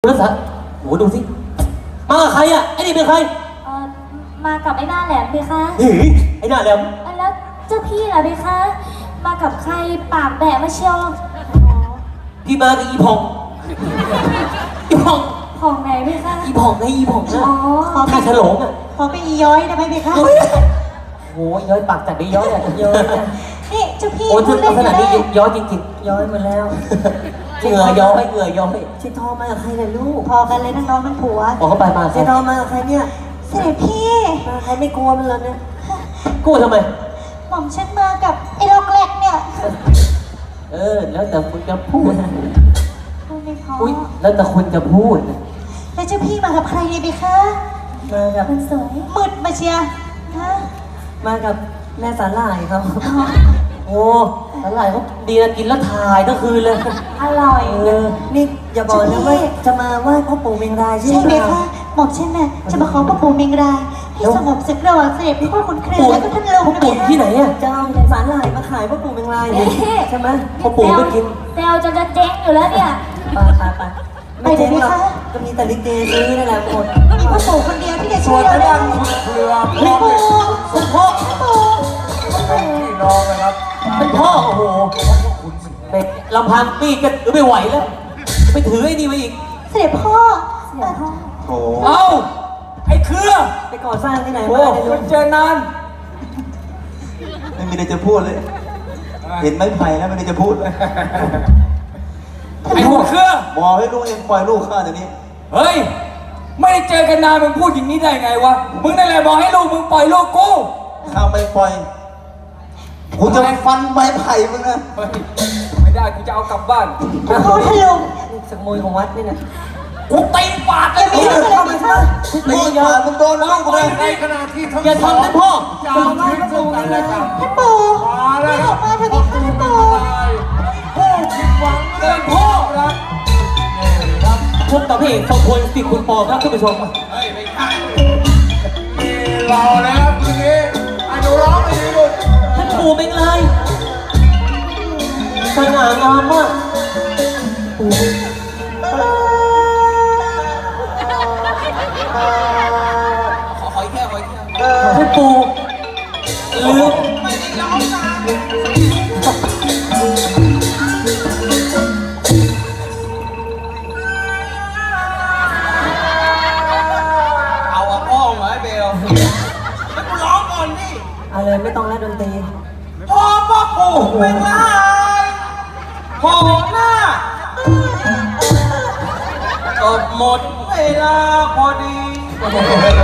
รถโอ้ดูสิมากับใครอ่ะไอ้นี่เป็นใครมากับไอ้หน้าแหลมพี่คะเฮ้ยไอ้หน้าแหลมแล้วเจ้าพี่ล่ะพี่คะมากับใครปากแบะมาเชียวพี่มากับอีพองอีพองพองไหนพี่คะอีพองไงอีพองนะท่าฉลองอ่ะพอไปอีย้อยได้ไหมพี่คะโอ้ยย้อยปากจัดได้ย้อยอ่ะย้อยนี่เจ้าพี่โอ้ถึงขนาดนี้ย้อยจริงๆย้อยหมดแล้วเหงื่อย้อยเหงื่อย้อยชิทอมากับใครล่ะลูกพอกันเลยทั้งน้องทั้งผัวบอกเขาไปมาชิทอมากับใครเนี่ยเสด็จพี่มาใครไม่กลัวมันเลยเนี่ยกลัวทำไมหม่อมฉันมากับไอ้ล็อกแรกเนี่ยแล้วแต่คุณจะพูดไม่พออุ้ยแล้วแต่คุณจะพูดแล้วเจ้าพี่มากับใครเนี่ยพี่คะมากับมันสวยมืดมาเชียร์มากับแม่สาหร่ายครับโอ้สาหร่ายเขาดีนะกินแล้วถ่ายทั้งคืนเลยอร่อยนี่อย่าบอกนะว่าจะมาไหว้พ่อปู่เมงรายใช่ไหมคะหม่อมฉันน่ะจะมาขอพ่อปู่เมงรายให้สงบศึกระหว่างเสด็จพ่อขุนแผนแล้วก็ท่านลุงนะปู่ที่ไหนอ่ะจะเอาสาหร่ายมาขายพ่อปู่เมงรายใช่ไหมพ่อปู่ไม่กินเซลจะเจ๊งอยู่แล้วเนี่ยไปไม่เจ๊งหรอกก็มีแต่ลิเกซื้อนั่นแหละหมดมีพ่อปู่คนเดียวที่จะช่วยเราได้พ่อปู่พ่อพี่น้องนะครับเป็นพ่อโอ้โหเป็นลำพังปีกันไม่ไหวแล้วไปถือไอ้นี่มาอีกเสด็จพ่อโอ้เอ้าไอ้เครือไปก่อสร้างที่ไหนมาเนี่ยเจอนานไม่มีอะไรจะพูดเลยเห็นไม้ไผ่แล้วไม่ได้จะพูดเลยไอ้หัวเครือบอกให้ลูกเองปล่อยลูกข้าเดี๋ยวนี้เฮ้ยไม่ได้เจอกันนานมึงพูดอย่างนี้ได้ไงวะมึงนั่นแหละบอกให้ลูกมึงปล่อยลูกกูข้าไม่ปล่อยกูจะฟันไม้ไผ่มึงนะไม่ได้กูจะเอากลับบ้านพ่อท่านลุงสมุยของวัดนี่นะกูตีปากเลยพี่เข้ามาค่ะตีปากมึงโดนลูกกูเลยในขณะที่ทั้งอย่าทำนะพ่อจะมาให้ประตูกันเลยครับท่านปู่ไม่ออกมาเถอะพี่ท่านปู่ผู้ผิดหวังเลยพ่อครับพบกับพี่เอกสองคนสิคุณปอครับท่านผู้ชมเฮ้ยไม่ใช่มีรอแล้วทีนี้ไอ้หนูร้องดีลูกท่านปู่เป็นไรสง่างามมากขออีกแค่ท่านปู่ลืมอะไรไม่ต้องแล้วดนตรีพ่อปู่เป็นไรพ่อหน้าจบหมดเวลาพอดี